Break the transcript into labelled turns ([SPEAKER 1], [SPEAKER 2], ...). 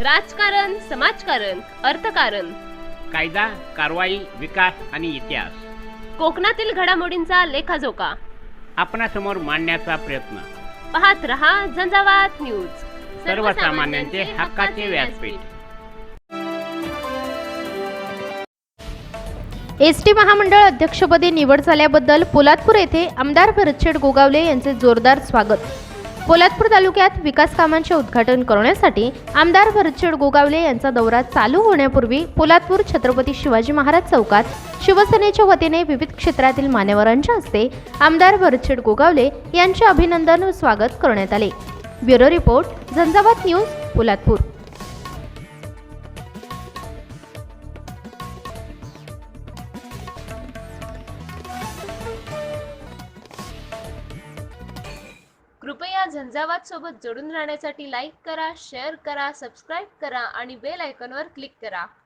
[SPEAKER 1] राजकारण, समाजकारण, अर्थकारण,
[SPEAKER 2] कायदा, कारवाई, विकास आणि इतिहास
[SPEAKER 1] कोकणातील घडामोडींचा लेखाजोखा
[SPEAKER 2] आपणासमोर मांडण्याचा प्रयत्न.
[SPEAKER 1] पाहत रहा झंझावात न्यूज,
[SPEAKER 2] सर्वसामान्यांचे हक्काचे व्यासपीठ.
[SPEAKER 3] एसटी महामंडळ अध्यक्षपदी निवड झाल्याबद्दल पोलादपूर येथे आमदार भरतशेठ गोगावले यांचे जोरदार स्वागत. पोलादपूर तालुक्यात विकास कामांचे उद्घाटन करण्यासाठी आमदार भरतशेठ गोगावले यांचा दौरा चालू होण्यापूर्वी पोलादपूर छत्रपती शिवाजी महाराज चौकात शिवसेनेच्या वतीने विविध क्षेत्रातील मान्यवरांच्या हस्ते आमदार भरतशेठ गोगावले यांचे अभिनंदन व स्वागत करण्यात आले. Bureau report, Jhanjhavat news, Poladpur.
[SPEAKER 1] कृपया झंझावात सोबत जोडून राहण्यासाठी लाईक करा, शेअर करा, सबस्क्राईब करा आणि बेल आयकॉनवर क्लिक करा.